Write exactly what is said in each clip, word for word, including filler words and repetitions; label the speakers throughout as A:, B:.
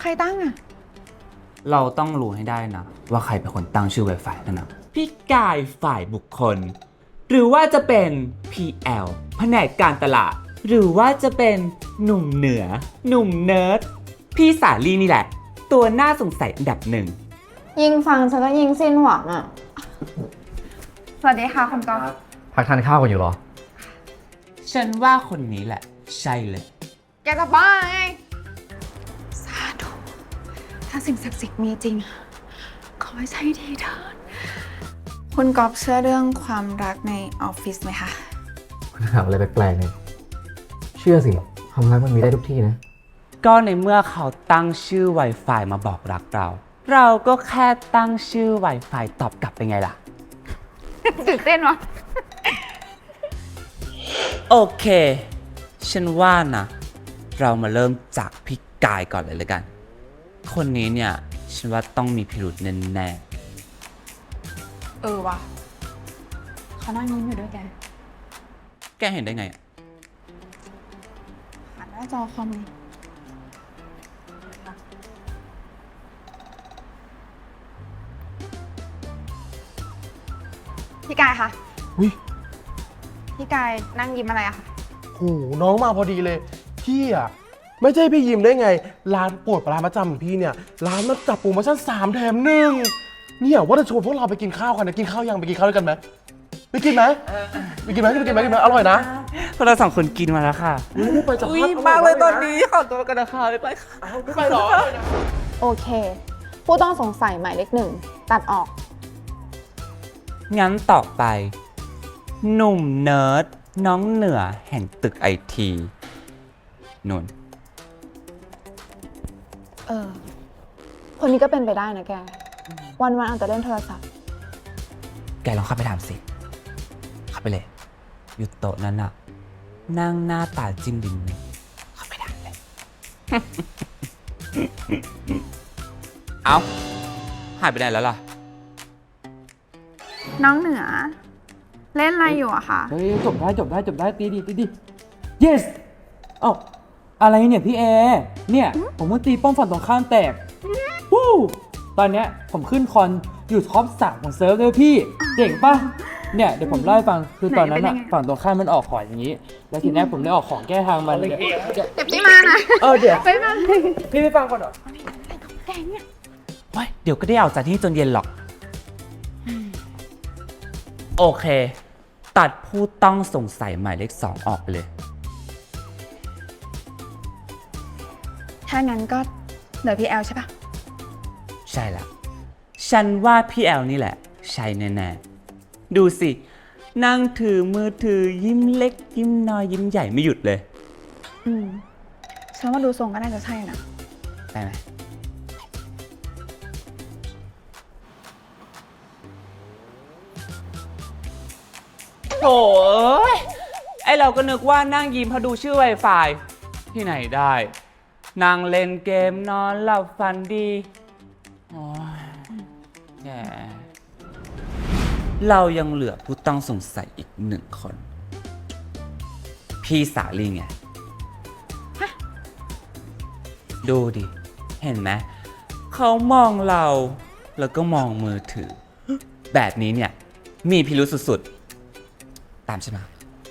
A: ใครตั้งอะ
B: เราต้องรู้ให้ได้นะว่าใครเป็นคนตั้งชื่อ Wi-Fi นั่นนะพี่กายฝ่ายบุคคล หรือว่าจะเป็น พี แอล แผนกการตลาด หรือว่าจะเป็นหนุ่มเหนือ หนุ่มเนิร์ดพี่สาลีนี่แหละ ตัวน่าสงสัยอันดับหนึ่ง
A: ยิงฟังฉันก็ยิงสิ้นหวังอะสวัสดีค่ะคุณก๊อฟ
C: พักทานข้าวกันอยู่เหรอ
B: ฉันว่าคนนี้แหละ ใช่เลย
A: แกจะบ้าไงสาธุถ้าสิ่งศักดิ์สิทธิ์มีจริง ขอให้ใช่ทีเถิดคุณก๊อฟเชื่อเรื่องความรักในออฟฟิศไหมคะ
C: คุณถามอะไรแปลกๆเนี่ยเชื่อสิความรักมันมีได้ทุกที่นะ
B: ก็ในเมื่อเขาตั้งชื่อ Wi-Fi มาบอกรักเรา เราก็แค่ตั้งชื่อ Wi-Fi ตอบกลับไปไงล่ะ
A: ตื่นเต้นวะ
B: โอเค ฉันว่านะ เรามาเริ่มจากพี่กายก่อนเลยเลยกัน คนนี้เนี่ย ฉันว่าต้องมีพิรุธแน่
A: เออวะเขานั่งยิ้มอยู่ด้วยแก
B: ๆ แกเห็นได้ไงอะ
A: ผ่านหน้าจอคอมนี่พี่กายคะ
D: อุ๊ย
A: พี่กายนั่งยิ้มอะไรอะคะ
D: โหน้องมาพอดีเลย พี่อ่ะ ไม่ใช่พี่ยิมได้ไง ร้านโปรดปลาร้านประจำของพี่เนี่ย ร้านมันจับโปรโมชั่นสามแถมหนึ่งเนี่ยว่าจะชวนพวกเราไปกินข้าวกันนะกินข้าวยังไปกินข้าวด้วยกันไหมไปกินไหมไปกินไหมไปกินไหมกินไหมอร่อยนะ
B: พวกเราสองคนกินมาแล้วค่ะ
D: อุ๊ยไปจับ
B: อุ้ย
D: ภาพ
B: มากเลยตอนนี้ขอตัวกันนะคะไปค่ะ
D: อ้าวไม่ไปหรอ
A: โอเค ผู้ต้องสงสัยหมายเลขหนึ่งตัดออก
B: งั้นต่อไป หนุ่มเนิร์ดน้องเหนือแห่งตึกไอทีนุ่น
A: เออ คนนี้ก็เป็นไปได้นะแก วันวันๆเอาแต่เล่นโทรศัพท์
B: แกลองเข้าไปถามสิ เข้าไปเลย อยู่โต๊ะนั้นน่ะ นั่งหน้าตาจิ้มดินเลยเข้าไปถามเลย เอ้า หายไปไหนแล้วล่ะ
A: น้องเหนือ เล่นอะไรอยู่อะคะ
E: เฮ้ยจบได้จบได้จบได้ตีดีตีดี yes เอ้าอะไรเนี่ยพี่แอร์เนี่ยผมเพิ่งตีป้อมฝั่งตรงข้ามแตกวู้ตอนเนี้ยผมขึ้นคอนอยู่ท็อปสามของเซิร์ฟเลยพี่เจ๋งปะเนี่ยเดี๋ยวผมเล่าให้ฟังคือตอนนั้นอะฝั่งตรงข้ามมันออกของอย่างนี้ แล้วทีเนี้ยผมเลยออกของแก้ทางมันเดี๋ยวเดี๋ยว
A: เจ็บที่มานะ
E: เออเดี๋ยว
A: ไปมา
E: พี่ไม่ฟังก่อนเหรอ
A: แกเนี่ย
B: ไว้เดี๋ยวก็ได้ออกจากที่จนเย็นหรอก โอเค ตัดผู้ต้องสงสัยหมายเลขสองออกไปเลย
A: ถ้างั้นก็เหลือพี่แอลใช่ปะ
B: ใช่ละ ฉันว่าพี่แอลนี่แหละ ใช่แน่ๆ ดูสิ นั่งถือมือถือยิ้มเล็ก ยิ้มน้อยยิ้มใหญ่ไม่หยุดเลย
A: อืมฉันว่าดูทรงก็น่าจะใช่นะ
B: ได้ไหม โถ่เอ้ยไอเราก็นึกว่านั่งยิ้มเพราะดูชื่อ Wi-Fi ที่ไหนได้ นั่งเล่นเกมนอนหลับฝันดี โอ้ยแย่เรายังเหลือผู้ต้องสงสัยอีกหนึ่งคน พี่สาลีไง ดูดิ เห็นไหม เขามองเราแล้วก็มองมือถือ แบบนี้เนี่ย มีพิรุษสุดๆ ตามฉันมา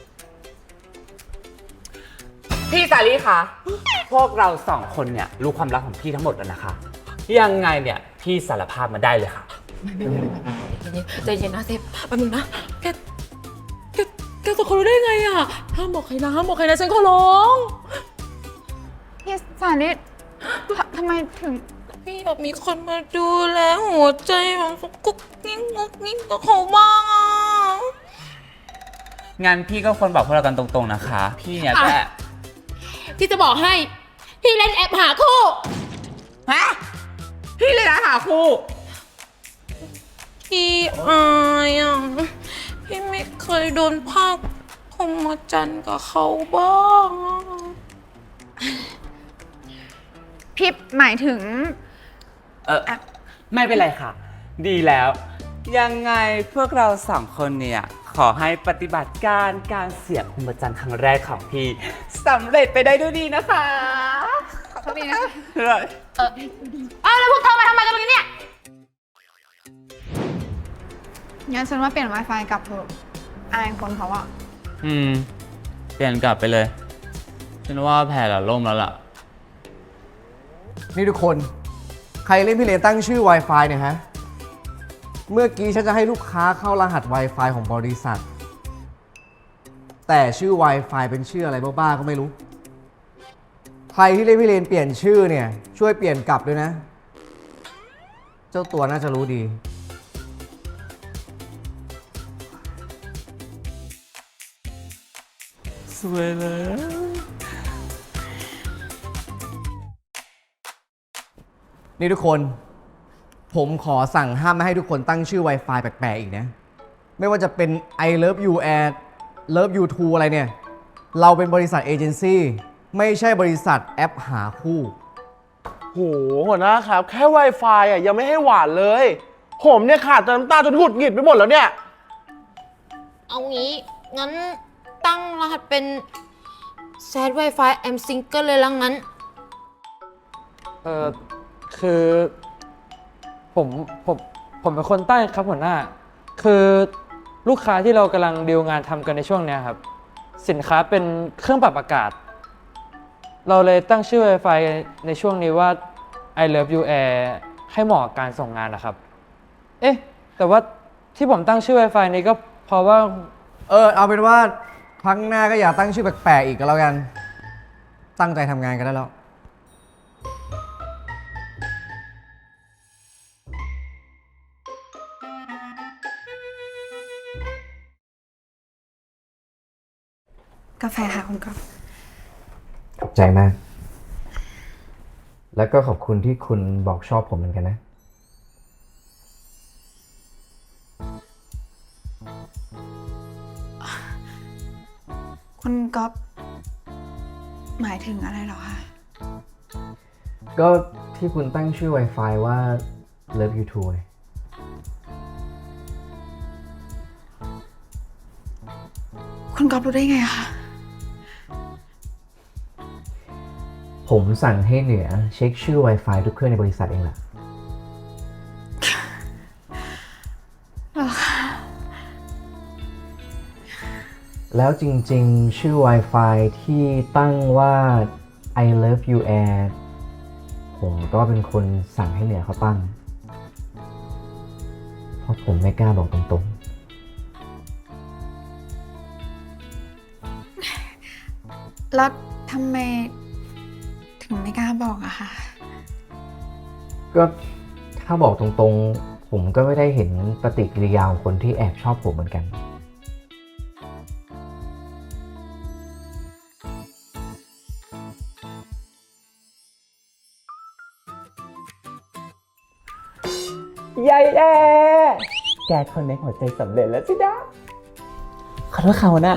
B: พี่สาลีคะ พวกเราสองคนเนี่ย รู้ความลับของพี่ทั้งหมดแล้วนะคะ ยังไงเนี่ย พี่สารภาพมาได้เลยค่ะ
F: ใจเย็นนะเซฟแป๊บนึงนะ แก แก แกจะเขารู้ได้ไงอ่ะ ห้ามบอกใครนะ ห้ามบอกใครนะ ฉันขอร้อง
A: พี่สานิททำไมถึง
F: พี่แบบมีคนมาดูแลหัวใจแบบกุ๊กกิ๊กกุ๊กกิ๊กกับเขาบ้างอ่ะ
B: งั้นพี่ก็ควรบอกพวกเรากันตรงๆนะคะ พี่เนี่ยแค่
F: พี่จะบอกให้ พี่เล่นแอปหาคู่
B: ฮะ พี่เลยนะหาคู่
F: พี่อายอ่ะ พี่ไม่เคยโดนภาคพรหมจรรย์กับเขาบ้างอ่ะ
A: พี่หมายถึง
B: เออไม่เป็นไรค่ะ ดีแล้ว ยังไงพวกเราสองคนเนี่ย ขอให้ปฏิบัติการการเสียบพรหมจรรย์ครั้งแรกของพี่สำเร็จไปได้ด้วยดีนะคะ
A: ขอโทษป๊บนึงนะคะ
F: เอออ้าวแล้วพวกเธอมาทำไมกันตรงนี้เนี่ย
A: งั้นฉันว่าเปลี่ยน Wi-Fi กลับเถอะอายคนเขาอะ
B: อืม เปลี่ยนกลับไปเลยฉันว่าแผนเราล่มแล้วล่ะ
C: นี่ทุกคน ใครเล่นพี่เลนตั้งชื่อ Wi-Fi เนี่ยฮะ เมื่อกี้ฉันจะให้ลูกค้าเข้ารหัส Wi-Fi ของบริษัท แต่ชื่อ Wi-Fi เป็นชื่ออะไรบ้าๆก็ไม่รู้ ใครที่เล่นพี่เลนเปลี่ยนชื่อเนี่ยช่วยเปลี่ยนกลับด้วยนะ เจ้าตัวน่าจะรู้ดี
B: สวยเลย
C: นี่ทุกคน ผมขอสั่งห้ามไม่ให้ทุกคนตั้งชื่อ Wi-Fi แปลกๆอีกนะ ไม่ว่าจะเป็น I love you ad love you too อะไรเนี่ย เราเป็นบริษัทเอเจนซี่ไม่ใช่บริษัทแอปหาคู่
D: โหหัวหน้าครับ แค่ Wi-Fi อ่ะยังไม่ให้หวานเลย ผมเนี่ยขาดแต่น้ำตาจนหงุดหงิดไปหมดแล้วเนี่ย
F: เอางี้ งั้นตั้งรหัสเป็น Sad Wi-Fi I'm Single เลยละงั้น
E: เออคือผมผมผมเป็นคนใต้ครับหัวหน้า คือลูกค้าที่เรากำลังดีลงานทำกันในช่วงเนี้ยครับ สินค้าเป็นเครื่องปรับอากาศ เราเลยตั้งชื่อ Wi-Fi ในช่วงนี้ว่า I love you air ให้เหมาะกับการส่งงานนะครับ เอ๊ะ แต่ว่าที่ผมตั้งชื่อ Wi-Fi นี้ก็เพราะว่า
C: เออ เอาเป็นว่าครั้งหน้าก็อย่าตั้งชื่อแปลกๆอีกก็แล้วกัน ตั้งใจทำงานกันได้แล้ว
A: กาแฟค่ะคุณก๊อฟ
C: ขอบใจมาก แล้วก็ขอบคุณที่คุณบอกชอบผมเหมือนกันนะ
A: คุณก๊อฟหมายถึงอะไรเหรอคะ
C: ก็ที่คุณตั้งชื่อ Wi-Fi ว่า Love You Too ไง
A: คุณก๊อฟรู้ได้ไงอะคะ
C: ผมสั่งให้เหนือเช็คชื่อ Wi-Fi ทุกเครื่องในบริษัทเองแหละ
A: เหรอคะ
C: แล้วจริงๆ ชื่อ Wi-Fi ที่ตั้งว่า I love you air ผมก็เป็นคนสั่งให้เหนือเขาตั้ง เพราะผมไม่กล้าบอกตรงๆ
A: แล้วทำไมถึงไม่กล้าบอกอะคะ
C: ก็ถ้าบอกตรงๆ ผมก็ไม่ได้เห็นปฏิกิริยาของคนที่แอบชอบผมเหมือนกัน
B: ยายแอแกคนในหัวใจสำเร็จแล้วสิดาขอโทษค่ะหัวหน้า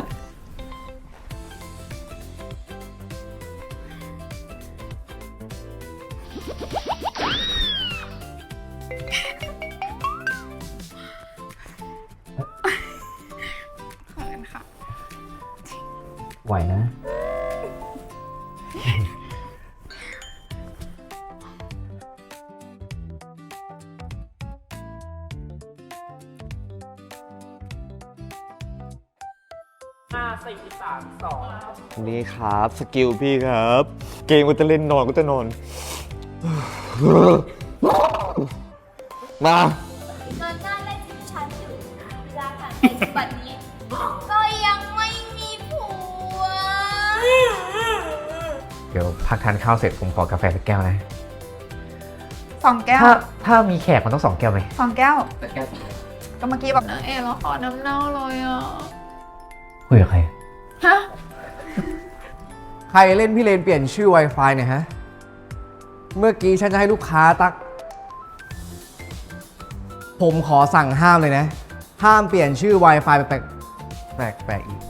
A: ขอบคุณค่ะ
C: ไหวนะ
G: นี่ครับสกิลพี่ครับ เกมก็จะเล่นนอนก็จะนอน มา
H: เงินหน้าเล่นที่ฉันอยู่เวลาผ่านไปถึงบัดนี้ ก็ยังไม่มีผัว
C: เดี๋ยวพักทานข้าวเสร็จผมขอกาแฟสักแก้วนะ
A: สองแก้ว
C: ถ้าถ้ามีแขกมันต้องสองแก้วไหม
A: สองแก้ว ก็เมื่อกี้แบบนะเอแล้วขอน้ำเน่าเลยอ่ะ
C: คุยกับใคร
A: ฮะ
C: ใครเล่นพี่เลนเปลี่ยนชื่อ Wi-Fi เนี่ยฮะ เมื่อกี้ฉันจะให้ลูกค้าตัก ผมขอสั่งห้ามเลยนะ ห้ามเปลี่ยนชื่อ Wi-Fi แปลกๆแปลกๆอีก